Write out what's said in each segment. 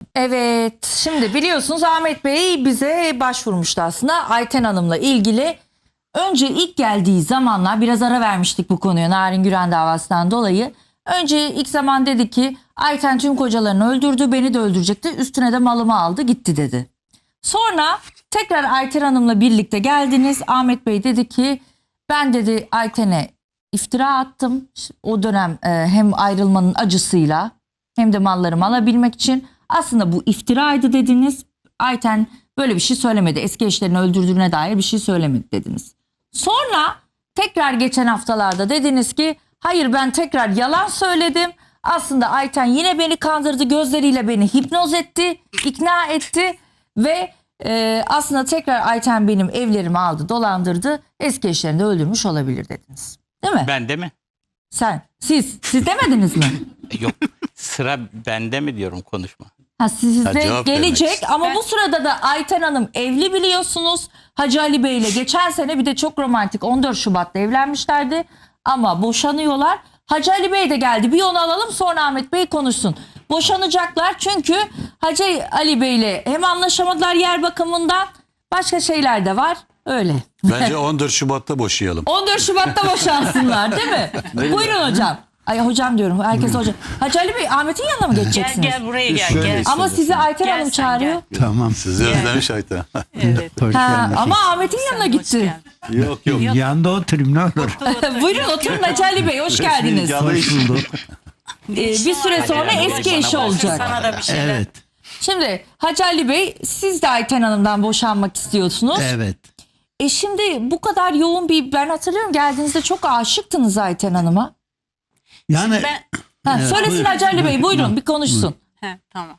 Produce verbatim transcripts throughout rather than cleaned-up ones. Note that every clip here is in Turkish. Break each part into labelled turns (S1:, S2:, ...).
S1: Evet, şimdi biliyorsunuz Ahmet Bey bize başvurmuştu aslında Ayten Hanım'la ilgili. Önce ilk geldiği zamanlar biraz ara vermiştik bu konuya Narin Güren davasından dolayı. Önce ilk zaman dedi ki Ayten tüm kocalarını öldürdü, beni de öldürecekti, üstüne de malımı aldı gitti dedi. Sonra tekrar Ayten Hanım'la birlikte geldiniz. Ahmet Bey dedi ki ben dedi Ayten'e iftira attım. O dönem e, hem ayrılmanın acısıyla hem de mallarımı alabilmek için. Aslında bu iftiraydı dediniz. Ayten böyle bir şey söylemedi. Eski eşlerini öldürdüğüne dair bir şey söylemedi dediniz. Sonra tekrar geçen haftalarda dediniz ki hayır ben tekrar yalan söyledim. Aslında Ayten yine beni kandırdı, gözleriyle beni hipnoz etti, ikna etti ve e, aslında tekrar Ayten benim evlerimi aldı, dolandırdı, eski eşlerini de öldürmüş olabilir dediniz. Değil mi?
S2: Bende mi?
S1: Sen, siz, siz demediniz mi?
S2: Yok, sıra bende mi diyorum konuşma.
S1: Ha, size
S3: Ha,
S1: gelecek ama bu sırada da Ayten Hanım evli biliyorsunuz. Hacı Ali Bey ile geçen sene bir de çok romantik on dört Şubat'ta evlenmişlerdi ama boşanıyorlar. Hacı Ali Bey de geldi, bir onu alalım sonra Ahmet Bey konuşsun. Boşanacaklar çünkü Hacı Ali Bey ile hem anlaşamadılar yer bakımından, başka şeyler de var öyle.
S3: Bence on dört Şubat'ta boşayalım.
S1: on dört Şubat'ta boşansınlar değil mi? Buyurun hocam. Ay hocam diyorum. Herkes hocam. Hacı Ali Bey Ahmet'in yanına mı
S4: Gel
S1: geçeceksiniz?
S4: gel buraya gel.
S3: Şöyle
S4: gel.
S1: Ama sizi Ayten
S4: Gel
S1: Hanım
S4: sen,
S1: çağırıyor.
S5: Tamam.
S3: Sizi özlemiş Ayten.
S4: Evet.
S5: Hoş
S1: Ha,
S5: geldin.
S1: ama Ahmet'in yanına
S4: Hoş
S1: gitti.
S4: geldin.
S3: Yok yok.
S5: Yanında oturayım ne olur.
S1: Buyurun oturun Hacı Ali Bey, hoş geldiniz.
S5: Hoş bulduk.
S1: Ee, bir süre sonra
S2: Hanım,
S1: eski
S2: bana
S1: eşi
S2: bak.
S1: olacak.
S4: Sana da bir şeyler.
S5: Evet.
S1: Şimdi Hacı Ali Bey siz de Ayten Hanım'dan boşanmak istiyorsunuz.
S5: Evet.
S1: E şimdi bu kadar yoğun bir, ben hatırlıyorum geldiğinizde çok aşıktınız Ayten Hanım'a.
S5: Yani
S4: Ben
S1: Ha,
S5: Evet,
S1: söylesin
S5: buyurun.
S1: Hacı Ali Bey, buyurun bir konuşsun.
S4: he, tamam.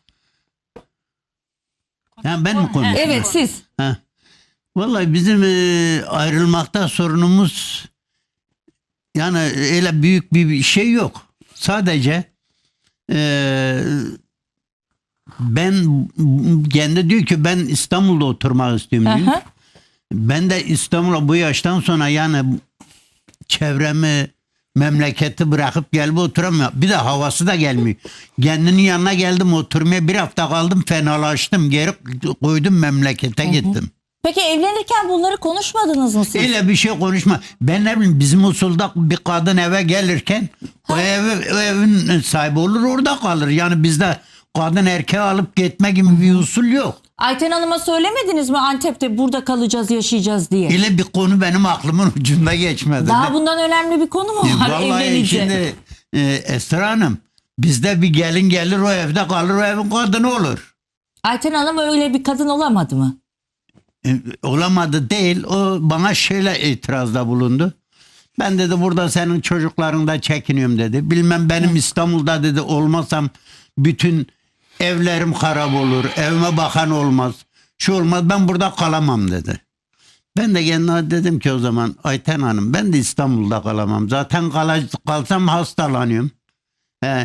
S5: yani ben mi konuşayım?
S1: Evet siz.
S5: Ha. Vallahi bizim e, ayrılmakta sorunumuz yani öyle büyük bir şey yok. Sadece e, ben kendi diyor ki ben İstanbul'da oturmak istiyorum diyor.
S1: Aha.
S5: Ben de İstanbul'a bu yaştan sonra yani çevremi, memleketi bırakıp gelip oturamıyor. Bir de havası da gelmiyor. Kendinin yanına geldim oturmaya, bir hafta kaldım, fenalaştım. Geri koydum, memlekete gittim.
S1: Peki evlenirken bunları konuşmadınız mı siz?
S5: Öyle bir şey konuşma. Ben ne bileyim, bizim usulda bir kadın eve gelirken o, evi, o evin sahibi olur, orada kalır. Yani bizde kadın erkeği alıp gitme gibi bir usul yok.
S1: Ayten Hanım'a söylemediniz mi Antep'te burada kalacağız, yaşayacağız diye?
S5: Öyle bir konu benim aklımın ucunda geçmedi.
S1: Daha bundan önemli bir konu mu var
S5: Vallahi
S1: evlenince?
S5: şimdi e, Esra Hanım, bizde bir gelin gelir, o evde kalır, o evin kadını olur.
S1: Ayten Hanım öyle bir kadın olamadı mı?
S5: E, olamadı değil, o bana şöyle itirazda bulundu. Ben dedi burada senin çocuklarında çekiniyorum dedi. Bilmem benim İstanbul'da dedi olmasam bütün evlerim harap olur, evime bakan olmaz, şu olmaz, ben burada kalamam dedi. Ben de kendime dedim ki o zaman Ayten Hanım, ben de İstanbul'da kalamam. Zaten kal kalsam hastalanıyorum. He,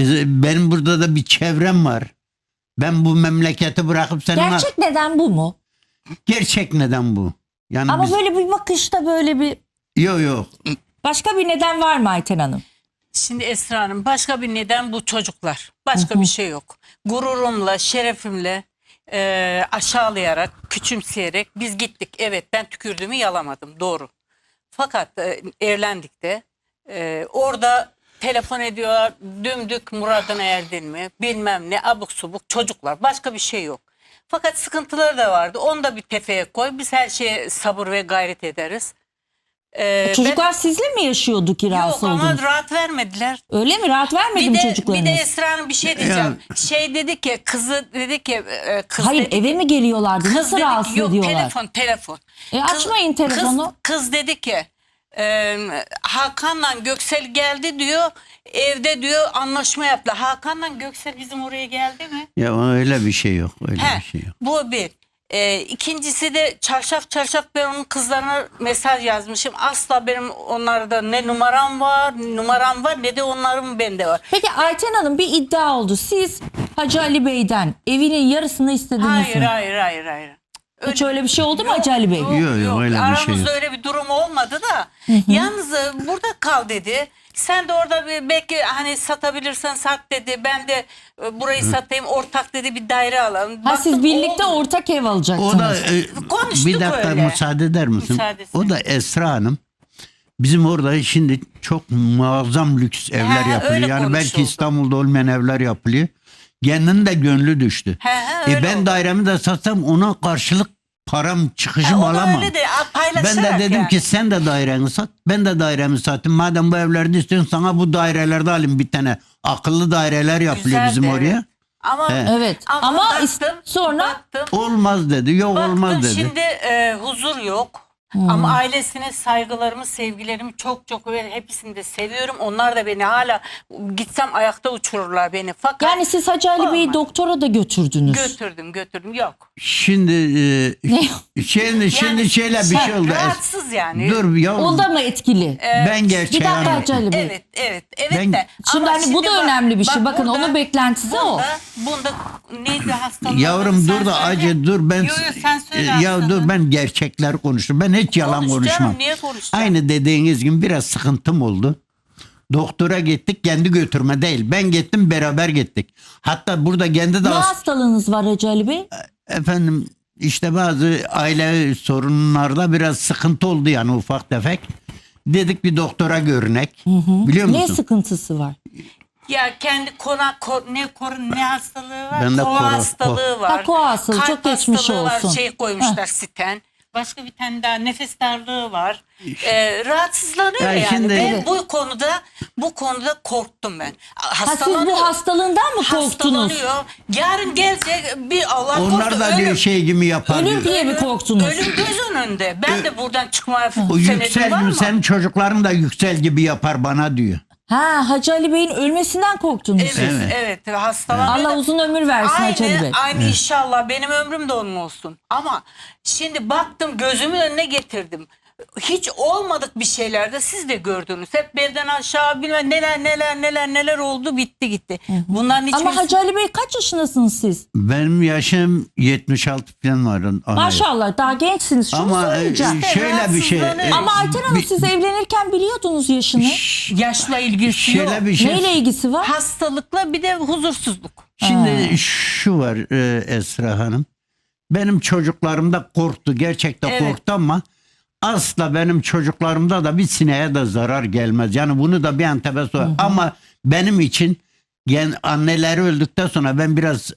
S5: benim burada da bir çevrem var. Ben bu memleketi bırakıp senin...
S1: Gerçek neden bu mu?
S5: Gerçek neden bu? Yani
S1: Ama
S5: biz...
S1: böyle bir bakışta böyle bir...
S5: Yok yok.
S1: Başka bir neden var mı Ayten Hanım?
S4: Şimdi Esra Hanım, başka bir neden bu çocuklar. Başka bir şey yok. Gururumla, şerefimle e, aşağılayarak, küçümseyerek biz gittik. Evet, ben tükürdüğümü yalamadım, doğru. Fakat e, evlendik de e, orada telefon ediyorlar, dümdük muradına erdin mi bilmem ne, abuk subuk çocuklar, başka bir şey yok. Fakat sıkıntıları da vardı, onu da bir tefeye koy, biz her şeye sabır ve gayret ederiz. Ee,
S1: Çocuklar
S4: ben,
S1: sizle mi yaşıyordu ki rahatsız
S4: yok ama
S1: oldunuz?
S4: rahat vermediler.
S1: Öyle mi? Rahat vermedi
S4: Bir
S1: mi
S4: de,
S1: çocuklarınız?
S4: bir de Esra Hanım bir şey diyeceğim. Şey dedi ki, kızı dedi ki e, kız
S1: Hayır
S4: dedi,
S1: eve mi geliyorlardı?
S4: kız
S1: Nasıl
S4: dedi ki,
S1: rahatsız
S4: yok,
S1: ediyorlar?
S4: telefon telefon.
S1: E, açmayın
S4: Kız-
S1: telefonu.
S4: Kız, kız dedi ki e, Hakan'la Göksel geldi diyor, evde diyor anlaşma yaptı. Hakan'la Göksel bizim oraya geldi mi?
S5: Ya öyle bir şey yok. Öyle
S4: He,
S5: bir şey yok.
S4: bu bir. Ee, ikincisi de çarşaf çarşaf ben onun kızlarına mesaj yazmışım. Asla benim onlarda ne numaram var, numaram var ne de onların bende var.
S1: Peki Ayten Hanım bir iddia oldu. Siz Hacı Ali Bey'den evinin yarısını istediniz
S4: Hayır
S1: mi?
S4: hayır hayır hayır.
S1: Hiç öyle bir şey oldu mu Hacı Ali Bey?
S5: Yok, yok, öyle bir şey
S4: Aramızda
S5: yok.
S4: öyle bir durum olmadı da. Yalnız e, burada kal dedi. Sen de orada bir, belki hani satabilirsen sat dedi. Ben de e, burayı satayım, ortak dedi, bir daire alalım.
S1: Ha siz
S4: Baktım,
S1: birlikte
S4: oldu.
S1: ortak ev alacaksınız.
S5: O da e,
S4: Konuştuk
S5: bir dakika
S4: öyle.
S5: müsaade eder misin?
S4: Müsaadesine.
S5: O da Esra Hanım. Bizim orada şimdi çok muazzam lüks evler
S4: He,
S5: yapılıyor.
S4: öyle
S5: Yani belki
S4: konuşuldu.
S5: İstanbul'da olmayan evler yapılıyor. Kendinin de gönlü düştü.
S4: He, he,
S5: E
S4: öyle
S5: ben
S4: oldu.
S5: dairemi de satsam ona karşılık param çıkışım
S4: Ha, o da
S5: alamam.
S4: öyle de, a,
S5: Ben
S4: paylaşarak
S5: de dedim
S4: yani.
S5: ki sen de daireni sat, ben de dairemi satayım. Madem bu evlerde istiyorsun sana bu dairelerde alayım bir tane. Akıllı daireler yapılıyor
S4: Güzeldi,
S5: bizim
S4: evet.
S5: oraya.
S4: Ama,
S5: He.
S1: Evet. Ama
S4: baktım,
S1: is- sonra-
S4: baktım,
S5: Olmaz dedi, yok
S4: baktım,
S5: olmaz dedi.
S4: şimdi e, huzur yok.
S1: Hmm.
S4: Ama ailesine saygılarımı, sevgilerimi çok çok ve hepsini de seviyorum. Onlar da beni hala gitsem ayakta uçururlar beni. Fakat
S1: Yani siz Hacı Ali Bey'i
S4: Olmaz.
S1: doktora da götürdünüz.
S4: götürdüm götürdüm yok.
S5: Şimdi e,
S1: Ne?
S5: şimdi şimdi
S4: Yani
S5: şöyle bir şey oldu.
S4: Rahatsız yani.
S5: Dur yavrum.
S1: O da mı etkili?
S5: ben
S1: Bir
S5: gerçeği
S1: dakika
S5: anlatayım.
S1: Hacı Ali Bey.
S4: Evet, evet, evet
S5: Ben-
S4: de.
S1: Şimdi
S4: Ama
S1: hani bu da
S4: bak-
S1: önemli bir şey.
S4: bak
S1: Bakın onun beklentisi o.
S4: bunda, Bunda neydi hastalığı?
S5: Yavrum
S4: Sen
S5: dur da
S4: söyle.
S5: acı dur ben
S4: Yo, yo, sen söyle
S5: E, ya
S4: hastalığı.
S5: dur ben gerçekler konuştum. Ben hiç yalan
S4: Konuş
S5: konuşmam.
S4: canım, niye konuşacağım?
S5: Aynı dediğiniz gibi biraz sıkıntım oldu. Doktora gittik kendi götürme değil. Ben gittim beraber gittik. Hatta burada kendi de
S1: Ne
S5: as-
S1: hastalığınız var Hacı Ali Bey?
S5: efendim işte bazı aile sorunlarda biraz sıkıntı oldu yani ufak tefek. Dedik bir doktora görünek. Biliyor
S1: Ne
S5: musun?
S1: sıkıntısı var?
S4: Ya kendi kona ko, ne kor, ne hastalığı var?
S5: Bende
S4: Kova
S5: koro-
S4: hastalığı var.
S1: Ha, kova hastalığı,
S4: Kalp
S1: çok geçmiş
S4: hastalığı var,
S1: olsun.
S4: Şey koymuşlar siten. Başka bir tane daha nefes darlığı var. Ee, rahatsızlanıyor
S5: Ya
S4: yani.
S5: şimdi-
S4: Ben
S5: Evet.
S4: bu konuda bu konuda korktum ben.
S1: Ha, siz bu hastalığından mı korktunuz?
S4: Hastalanıyor. Yarın gelecek bir Allah
S5: Onlar
S4: korusun
S5: da diyor
S4: ölüm.
S5: şey gibi yapar
S1: Ölüm
S5: diyor.
S1: diye mi korktunuz?
S4: Ölüm göz önünde. Ben de buradan çıkmaya
S5: O
S4: senedim
S5: yüksel
S4: var mı?
S5: senin çocukların da yüksel gibi yapar bana diyor.
S1: Ha Hacı Ali Bey'in ölmesinden korktunuz
S4: Evet,
S1: siz.
S4: evet. Hastalanıyor.
S1: Allah uzun ömür versin Hacı Ali
S4: Aynı,
S1: Bey.
S4: aynı inşallah benim ömrüm de onun olsun. Ama şimdi baktım gözümün önüne getirdim. Hiç olmadık bir şeylerde siz de gördünüz. Hep belden aşağı bilmem neler neler neler neler oldu bitti gitti. Bunların hiçbirisi...
S1: Ama Hacı Ali Bey kaç yaşındasınız siz?
S5: Benim yaşım yetmiş altı falan var. ana-
S1: Maşallah daha gençsiniz. Şunu
S5: Ama e,
S1: söyleyeceğim.
S5: şöyle bir şey.
S4: rahatsızlanıyor.
S1: Ama Ayten Hanım
S5: bir-
S1: siz evlenirken biliyordunuz yaşını.
S4: Yaşla ilgisi yok.
S5: Şöyle bir şey.
S1: Neyle ilgisi var?
S4: Hastalıkla bir de huzursuzluk.
S5: Şimdi şu var e, Esra Hanım. Benim çocuklarım da korktu. Gerçekten
S4: Evet.
S5: korktu ama asla benim çocuklarımda da bir sineğe de zarar gelmez. Yani bunu da bir antebe sor. Ama benim için yani anneleri öldükten sonra ben biraz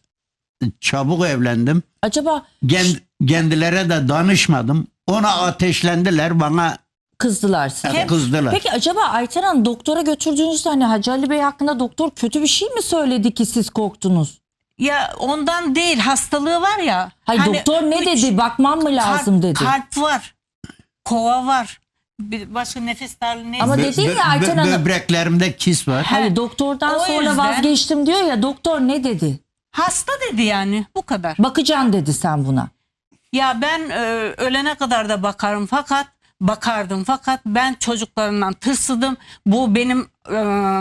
S5: çabuk evlendim.
S1: Acaba
S5: Kend, kendilere de danışmadım. Ona ateşlendiler, bana
S1: kızdılar size.
S5: kızdılar.
S1: Peki acaba Ayten Hanım doktora götürdüğünüzde hani Hacı Ali Bey hakkında doktor kötü bir şey mi söyledi ki siz korktunuz?
S4: Ya ondan değil hastalığı var ya.
S1: Hayır
S4: hani
S1: doktor ne
S4: üç-
S1: dedi? Bakmam mı lazım
S4: kalp,
S1: dedi.
S4: Kalp var. Kova var. Bir başka nefes darlığı neyse.
S1: Ama
S5: Bö-
S1: dedi ya
S5: bö-
S1: Ayten
S5: bö-
S1: Hanım.
S5: Böbreklerimde kis var.
S1: Hayır doktordan
S4: O
S1: sonra
S4: yüzden-
S1: vazgeçtim diyor ya doktor ne dedi?
S4: Hasta dedi yani bu kadar.
S1: Bakacaksın dedi sen buna.
S4: Ya ben e, ölene kadar da bakarım fakat bakardım fakat ben çocuklarımdan tırsıdım. Bu benim e,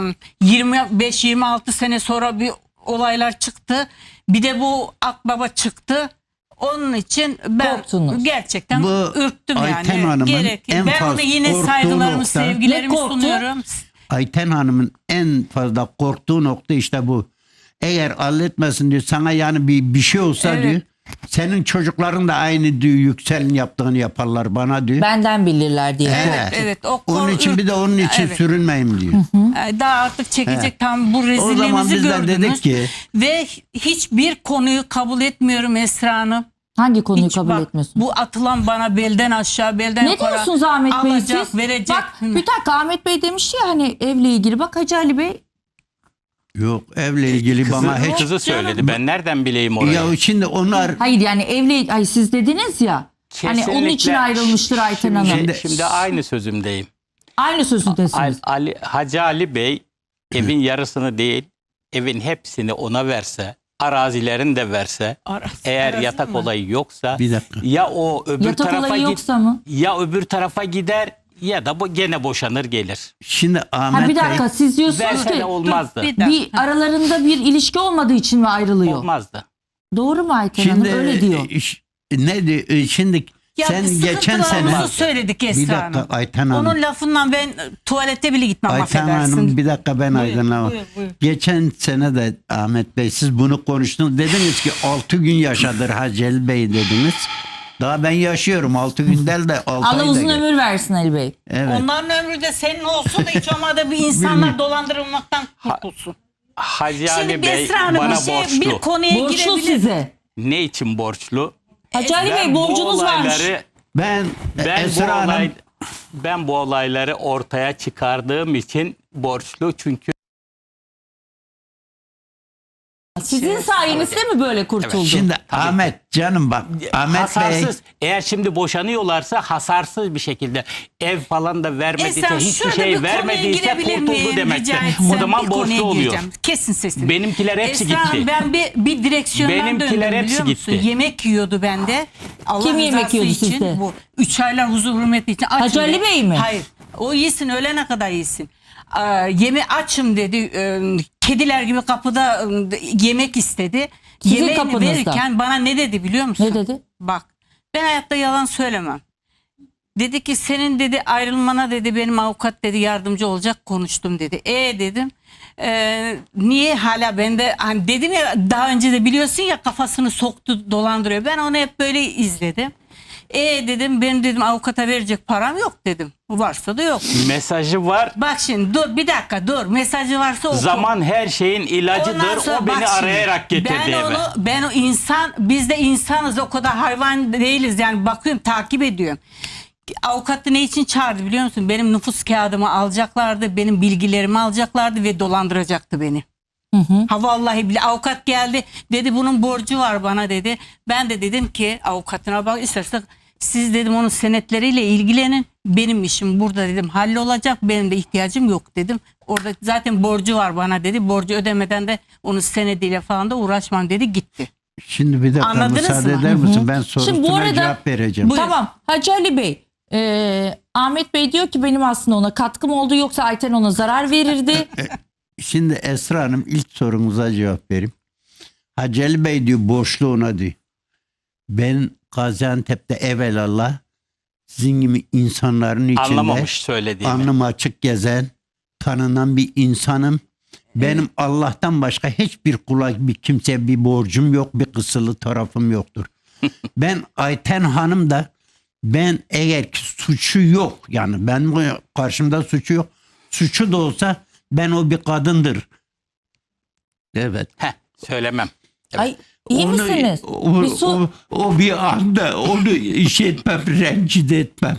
S4: yirmi beş yirmi altı sene sonra bir olaylar çıktı. Bir de bu akbaba çıktı. Onun için ben
S1: Korktunuz.
S4: gerçekten
S5: Bu
S4: ürktüm
S5: Ayten
S4: yani.
S5: Hanım'ın
S4: Gerek.
S5: en
S4: Ben
S5: fazla
S4: ona yine
S5: korktuğu
S4: saygılarımı,
S5: nokta-
S4: sevgilerimi
S1: Ne korktu?
S4: sunuyorum.
S5: Ayten Hanım'ın en fazla korktuğu nokta işte bu. Eğer halletmesin diyor sana yani bir, bir şey olsa
S4: Evet.
S5: diyor. Senin çocukların da aynı diyor yükselin yaptığını yaparlar bana diyor.
S1: Benden bilirler diye
S5: Evet.
S1: korktu.
S4: Evet, o
S5: Onun
S4: kor-
S5: için bir de onun için
S4: Evet.
S5: sürünmeyeyim diyor.
S4: Ee, Daha artık çekecek
S5: Evet.
S4: tam bu
S5: O zaman
S4: rezilliğimizi
S5: biz de
S4: gördünüz.
S5: dedik ki-
S4: Ve hiçbir konuyu kabul etmiyorum Esra Hanım.
S1: Hangi konuyu
S4: Hiç
S1: kabul
S4: bak,
S1: etmiyorsun?
S4: Bu atılan bana belden aşağı belden
S1: Ne
S4: yukarı
S1: diyorsunuz Ahmet Bey
S4: alacak,
S1: siz?
S4: verecek.
S1: Bak bir dakika Ahmet Bey demiş ya hani evle ilgili. Bak Hacı Ali Bey
S5: Yok evle ilgili
S2: Kızı,
S5: bana hiç.
S2: kızı söyledi. Ben nereden bileyim orayı?
S5: Ya şimdi onlar
S1: hayır yani evli ay siz dediniz ya. Hani onun
S2: Kesinlikle.
S1: için ayrılmıştır Ayten Hanım.
S2: Şimdi, şimdi aynı sözümdeyim.
S1: Aynı
S2: Al-
S1: sözündesiniz.
S2: Ali, Hacı Ali Bey evin yarısını değil, evin hepsini ona verse, arazilerini de verse,
S4: Arası-
S2: eğer
S4: arası
S2: yatak
S4: mı?
S2: olayı yoksa
S5: Bir dakika.
S2: ya o öbür
S1: Yatak
S2: tarafa
S1: olayı
S2: git,
S1: yoksa mı?
S2: ya öbür tarafa gider ya da bu gene boşanır gelir.
S5: şimdi Ahmet
S1: Ha bir
S5: Bey
S1: dakika siz diyorsunuz
S2: Verse
S1: ki
S2: de olmazdı.
S4: bir dakika.
S1: bir aralarında bir ilişki olmadığı için mi ayrılıyor?
S2: Olmazdı.
S1: Doğru mu Ayten Hanım?
S5: şimdi
S1: Öyle diyor.
S5: e, ş- ne diyor? E, Şimdi
S4: Ya
S5: sen
S4: biz
S5: geçen
S4: sıkıntılarımızı
S5: sene
S4: söyledik
S5: bir
S4: Esra
S5: dakika
S4: Hanım.
S5: Ayten Hanım.
S4: Onun lafından ben e, tuvalete bile gitmem,
S5: Ayten
S4: affedersin.
S5: Hanım bir dakika ben
S4: Buyur,
S5: aydınlamam.
S4: buyur, buyur.
S5: Geçen sene de Ahmet Bey siz bunu konuştunuz. Dediniz ki altı gün yaşadır Haceli Bey dediniz. Daha ben yaşıyorum altı gün değil de altı
S1: Allah
S5: ayda.
S1: uzun
S5: gel-
S1: ömür versin Ali Bey.
S5: Evet.
S4: Onların ömrü de senin olsun da hiç olmadı bir insanlar dolandırılmaktan kurtulsun.
S2: Hacı Ali
S4: Şimdi
S2: Bey
S4: Esra Hanım
S2: bana
S4: bir, şey,
S2: borçlu.
S4: bir konuya
S1: Borçlu
S4: girebilir.
S1: size.
S2: Ne için borçlu?
S1: Hacı Ali Bey
S2: Ben bu
S1: borcunuz varmış.
S2: olayları-
S5: Ben,
S2: Ben bu
S5: Esra Hanım
S2: olay, ben bu olayları ortaya çıkardığım için borçlu, çünkü
S1: Sizin sayenizde mi böyle kurtuldu?
S5: şimdi Ahmet canım bak Ahmet Bey
S2: hasarsız. Eğer şimdi boşanıyorlarsa hasarsız bir şekilde ev falan da vermediyse,
S4: Esra
S2: hiçbir
S4: şöyle bir
S2: şey
S4: konuya
S2: vermediyse
S4: girebilir
S2: kurtuldu
S4: miyim?
S2: demektir.
S4: Rica etsem
S2: O zaman
S4: bir konuya
S2: borçlu oluyor.
S4: gireceğim. Kesin sesini.
S2: Benimkiler hepsi
S4: Esra Hanım,
S2: gitti.
S4: ben bir, bir direksiyondan
S2: Benimkiler
S4: döndüm
S2: hepsi
S4: biliyor musun?
S2: gitti.
S4: Yemek yiyordu bende. Allah
S1: Kim yemek
S4: rızası
S1: yiyordu
S4: için,
S1: sizde?
S4: Bu üç aylar huzur hürmeti için. Açım
S1: Hacı Ali
S4: dedi.
S1: Bey mi?
S4: Hayır. O iyisin, ölene kadar iyisin. Ee, yeme açım dedi. Ee, kediler gibi kapıda e, yemek istedi.
S1: Sizin
S4: Yemeğini
S1: kapınızda.
S4: verirken bana ne dedi biliyor musun?
S1: Ne dedi?
S4: Bak, ben hayatta yalan söylemem. Dedi ki senin dedi ayrılmana dedi benim avukat dedi yardımcı olacak, konuştum dedi. E dedim. "E, niye hala bende, hani dedim ya daha önce de biliyorsun ya, kafasını soktu dolandırıyor. Ben onu hep böyle izledim. E dedim, benim dedim avukata verecek param yok dedim. Varsa da yok.
S2: Mesajı var.
S4: Bak şimdi dur bir dakika dur, mesajı varsa oku.
S2: Zaman her şeyin
S4: Ondan
S2: ilacıdır.
S4: sonra
S2: O
S4: bak
S2: beni
S4: şimdi,
S2: arayarak getirdi
S4: ben
S2: eve.
S4: onu, ben o insan, biz de insanız, o kadar hayvan değiliz yani, bakıyorum takip ediyorum. Avukatı ne için çağırdı biliyor musun? Benim nüfus kağıdımı alacaklardı, benim bilgilerimi alacaklardı ve dolandıracaktı beni. Ha vallahi bile avukat geldi dedi, bunun borcu var bana dedi. Ben de dedim ki avukatına, bak istersen siz dedim onun senetleriyle ilgilenin. Benim işim burada dedim hallolacak. Benim de ihtiyacım yok dedim. Orada zaten borcu var bana dedi. Borcu ödemeden de onun senediyle falan da uğraşmam dedi, gitti.
S5: şimdi bir dakika
S4: Anladınız
S5: müsaade
S4: mı?
S5: eder misin? Ben
S1: Şimdi bu
S5: sorusuna
S1: arada-
S5: cevap vereceğim.
S4: Buyurun.
S1: Tamam Hacı Ali Bey. e, Ahmet Bey diyor ki benim aslında ona katkım oldu, yoksa Ayten ona zarar verirdi.
S5: Şimdi Esra Hanım ilk sorunuza cevap vereyim. Haceli Bey diyor borçlu ona diyor. Ben Gaziantep'te evelallah sizin gibi insanların içinde
S2: Anlamamış söylediğimi.
S5: alnım açık gezen, tanınan bir insanım. Benim Allah'tan başka hiçbir kula, bir kimseye bir borcum yok, bir kısılı tarafım yoktur. Ben Ayten Hanım da, ben eğer ki suçu yok, yani ben karşımda suçu yok, suçu da olsa ben o bir kadındır. Evet.
S2: Heh, söylemem.
S1: Ay iyi
S5: Onu-
S1: misiniz?
S5: O,
S1: Bir su-
S5: o, o bir anda onu iş etmem, rencide etmem.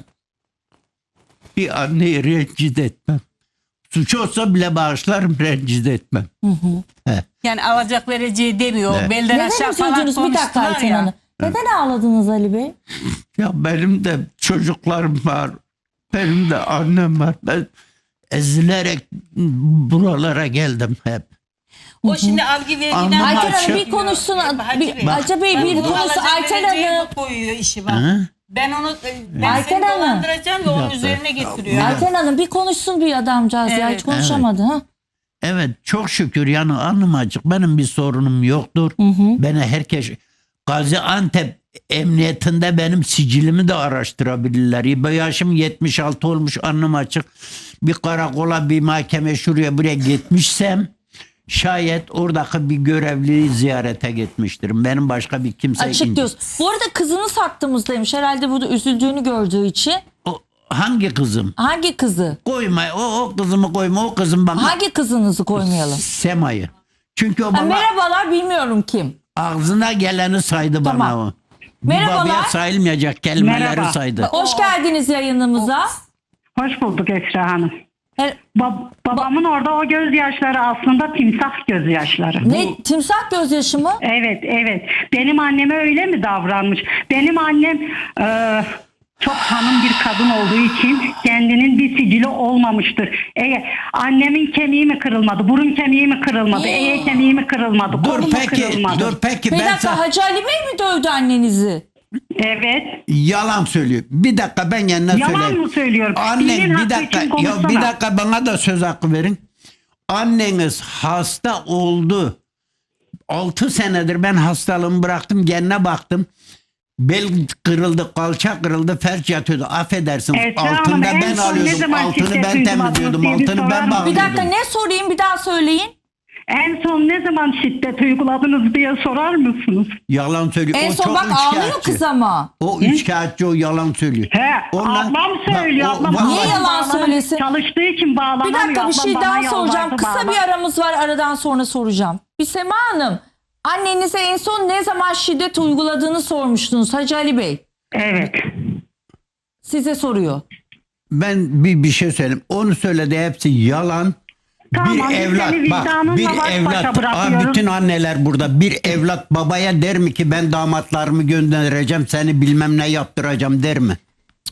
S5: Bir anneyi rencide etmem. Suç olsa bile bağışlarım, rencide etmem. He.
S4: Yani alacak vereceği demiyor.
S5: Evet.
S4: Belden
S1: Neden
S4: aşağı falan
S1: üzüldünüz? Bir dakika
S4: konuştular
S1: Ayten
S4: ya.
S1: Hanım. Neden ağladınız Ali Bey?
S5: Ya benim de çocuklarım var. Benim de annem var. Ben ezilerek buralara geldim hep.
S4: O şimdi algı vergiden...
S5: Anladım.
S1: Ayten
S5: Hacı-
S1: Hanım bir konuşsun.
S4: Hacı
S1: Bir,
S4: Bey.
S1: Hacı Bey
S4: Ben
S1: bir
S4: bunu
S1: konuşsun.
S4: alacak
S1: Ayten
S4: vereceği
S1: Hanım.
S4: bu koyuyor işi bak.
S5: Hı?
S4: Ben onu ben
S1: Ayten
S4: seni
S1: Hanım.
S4: dolandıracağım ve onun
S5: dakika.
S4: üzerine getiriyor.
S5: Ya,
S1: Ayten Hanım bir konuşsun bir adamcağız ya,
S4: Evet.
S1: hiç konuşamadı. Ha?
S5: Evet çok şükür yani alnım açık. Benim bir sorunum yoktur. Beni herkes Gaziantep emniyetinde benim sicilimi de araştırabilirler. Ben yaşım yetmiş altı olmuş, alnım açık. Bir karakola, bir mahkeme, şuraya buraya gitmişsem şayet oradaki bir görevliyi ziyarete gitmiştirim. Benim başka bir kimse...
S1: Açık diyorsun. Bu arada kızınız hattımızdaymış. Herhalde burada üzüldüğünü gördüğü için.
S5: O, hangi kızım?
S1: Hangi kızı?
S5: Koyma. O, o kızımı koyma. O kızım bana...
S1: Hangi kızınızı koymayalım?
S5: Sema'yı. Çünkü o
S1: Ha,
S5: bana
S1: merhabalar, bilmiyorum kim.
S5: ağzına geleni saydı bana
S1: Tamam.
S5: o. Bir
S1: Merhabalar.
S5: babaya sayılmayacak kelimeleri
S6: Merhaba.
S5: saydı.
S1: Hoş geldiniz yayınımıza.
S6: Hoş bulduk Esra Hanım.
S1: Her-
S6: Ba- babamın orada o gözyaşları aslında timsah gözyaşları.
S1: Ne, timsah gözyaşı mı?
S6: Evet, evet. Benim anneme öyle mi davranmış? Benim annem e, çok hanım bir kadın olduğu için kendinin bir sicili olmamıştır. Eğer annemin kemiği mi kırılmadı, burun kemiği mi kırılmadı, eye kemiği mi kırılmadı,
S5: Dur
S6: kolu mu
S5: peki,
S6: kırılmadı?
S5: dur peki
S1: Bir
S5: ben
S1: dakika,
S5: sana
S1: Hacı Ali Bey mi dövdü annenizi?
S6: Evet.
S5: yalan söylüyor. Bir dakika ben kendine
S6: Yalan
S5: söyleyeyim.
S6: mı söylüyorum?
S5: Annen
S6: Dilin
S5: bir
S6: hakkı
S5: dakika
S6: için
S5: ya bir
S6: konuşsana.
S5: dakika bana da söz hakkı verin. Anneniz hasta oldu. altı senedir ben hastalığımı bıraktım, kendine baktım. bel kırıldı, kalça kırıldı, felç yatıyordu. Affedersin.
S6: Esra Hanım,
S5: altında
S6: en
S5: ben
S6: son ne
S5: alıyordum.
S6: zaman
S5: Altını
S6: şiddet
S5: ben
S6: uyguladınız
S5: temizliyordum.
S6: diye bir
S5: Altını
S6: sorar
S5: ben
S6: mısınız?
S5: bağlıyordum.
S1: Bir dakika, ne sorayım, bir daha söyleyin.
S6: En son ne zaman şiddet uyguladınız diye sorar mısınız?
S5: Yalan söylüyor.
S1: En
S5: O
S1: son
S5: çok
S1: bak ağlıyor
S5: üçkağıtçı.
S1: kız ama.
S5: O üçkağıtçı, o yalan söylüyor.
S6: He,
S5: Ondan-
S6: ablam söylüyor.
S5: Bak, o-
S6: ablam
S5: bak-
S1: Niye
S6: bana
S1: yalan
S6: bağlanamıyor.
S1: söylesin?
S6: Çalıştığı için bağlanamıyor.
S1: Bir dakika, bir
S6: Ablam
S1: şey
S6: bana
S1: daha
S6: yalvardı,
S1: soracağım. Kısa
S6: bağlan.
S1: bir aramız var, aradan sonra soracağım. Bir Sema Hanım, annenize en son ne zaman şiddet uyguladığını sormuştunuz Hacı Ali Bey.
S6: Evet.
S1: Size soruyor.
S5: Ben bir bir şey söyleyeyim. Onu söyledi, hepsi yalan.
S6: Tamam,
S5: bir
S6: biz
S5: evlat
S6: seni
S5: bak,
S6: vicdanınla
S5: bir
S6: baş başa
S5: evlat. Aa,
S6: bırakıyoruz.
S5: bütün anneler burada. Bir evlat babaya der mi ki ben damatlarımı göndereceğim, seni bilmem ne yaptıracağım der mi?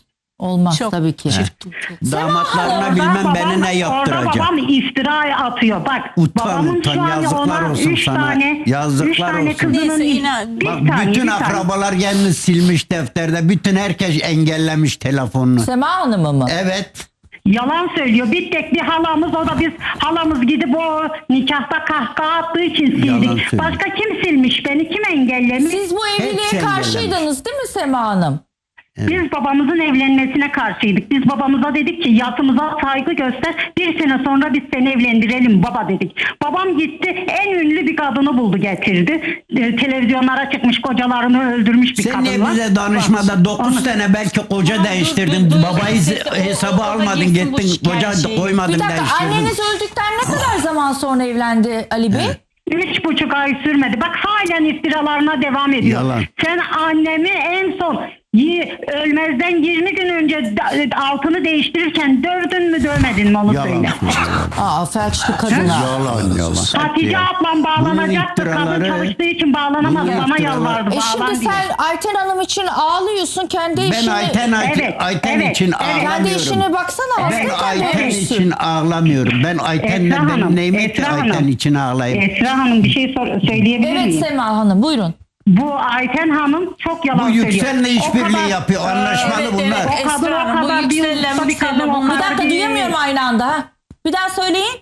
S1: Olmaz
S4: Çok
S1: tabii ki.
S4: çirkin, çok.
S5: Damatlarına
S6: Orada
S5: bilmem
S6: babam-
S5: beni ne
S6: Orada
S5: yaptıracağım.
S6: babam iftira atıyor. Bak
S5: Utan,
S6: babamın
S5: utan,
S6: şu an
S5: yazıklar
S6: ona
S5: olsun
S6: üç
S5: sana.
S6: tane,
S5: Yazıklar
S6: üç tane
S5: olsun.
S6: kızının
S4: Neyse, inan-
S6: bir
S5: Bak
S6: tane,
S5: bütün
S6: bir tane.
S5: akrabalar kendini silmiş defterde. Bütün herkes engellemiş telefonunu.
S1: Sema Hanım'ı mı?
S5: Evet.
S6: Yalan söylüyor. Bir tek bir halamız, o da biz halamız gidip o nikahta kahkaha attığı için
S5: Yalan
S6: sildik.
S5: söylüyor.
S6: Başka kim silmiş beni? Kim engellemiş?
S1: Siz bu evliliğe
S5: Hepsi
S1: karşıydınız değil mi Sema Hanım?
S6: Biz babamızın evlenmesine karşıydık. Biz babamıza dedik ki yasımıza saygı göster. Bir sene sonra biz seni evlendirelim baba dedik. Babam gitti, en ünlü bir kadını buldu getirdi. Ee, televizyonlara çıkmış, kocalarını öldürmüş bir
S5: Sen
S6: kadın
S5: niye
S6: var.
S5: bize danışmada dokuz sene belki koca
S4: Ama dur,
S5: değiştirdin.
S4: dur, dur.
S5: Babayı
S4: Neyse, o-
S5: hesaba
S4: o da
S5: almadın,
S4: girsin bu
S5: gittin koca
S4: şikayet şeyi.
S5: koymadın
S1: Bir dakika,
S5: değiştirdin.
S1: anneniz öldükten ne kadar zaman sonra evlendi Ali Bey?
S6: Üç buçuk ay sürmedi. Bak halen iftiralarına devam ediyor.
S5: Yalan.
S6: Sen annemi en son yi- ölmezden yirmi gün önce da- altını değiştirirken dövdün mü dövmedin mi onu
S5: Yalan
S6: söyle.
S5: söylüyor.
S1: Aa, felçli kadına.
S5: Yalan yalan.
S6: Hatice ablam bağlanacaktı.
S5: Bunun
S6: Kadın
S5: iftiraları-
S6: çalıştığı için bağlanamadı.
S5: bunun
S6: Bana
S5: iftiraları-
S6: yalvardı.
S1: E şimdi
S6: bağlan diye.
S1: sen Ayten Hanım için ağlıyorsun, kendi
S5: Ben
S1: işini...
S5: Ayten, Ayten,
S6: Evet,
S5: Ayten
S6: evet,
S5: için
S6: evet.
S1: Kendi
S5: ağlamıyorum.
S1: işine baksana.
S5: Ben
S1: aslında kendi
S5: Ayten
S1: ölmüşsün.
S5: için ağlamıyorum. Ben Ayten'le
S6: Esra Hanım,
S5: benim neyime ki
S6: Esra
S5: Ayten
S6: Hanım.
S5: için ağlayayım.
S6: Esra Hanım bir şey sor- söyleyebilir
S1: Evet
S6: miyim?
S1: Sema Hanım, buyurun.
S6: Bu Ayten Hanım çok yalan
S5: Bu
S6: söylüyor.
S5: Yüksel'le
S6: O
S5: işbirliği
S6: kadar-
S5: yapıyor. Anlaşmalı
S4: Evet,
S5: bunlar.
S4: evet.
S6: O kadın
S4: Esra
S6: o
S4: Hanım, bu
S6: kadar bir
S4: Yüksel'le
S6: usta bir kadın,
S4: Müksel'le
S6: o
S4: bunlar-
S1: Bir
S6: kadar
S1: dakika,
S6: bir-
S1: duyamıyorum aynı anda. Ha. Bir daha söyleyin.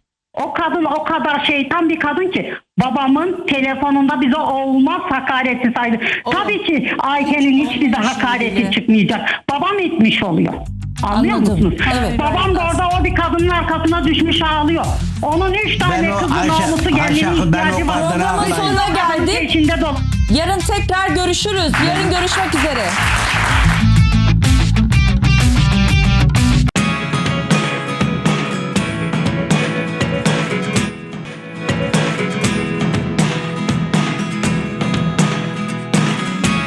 S6: O kadın o kadar şeytan bir kadın ki babamın telefonunda bize olmaz hakareti saydı. Tabii ki Ayten'in hiç bize hakareti çıkmayacak. Babam etmiş oluyor. Anlıyor
S1: Anladım.
S6: musunuz?
S1: Evet.
S6: Babam da orada o bir kadının arkasına düşmüş ağlıyor. Onun üç tane
S5: o
S6: kızı
S5: Ayşe-
S6: namusu
S5: Ayşe-
S6: gelinin
S5: ben o
S6: ihtiyacı var.
S5: kadına
S1: Programın
S5: ağlayayım.
S1: sonuna geldik.
S6: İçinde dolu.
S1: Yarın tekrar görüşürüz. Yarın görüşmek üzere.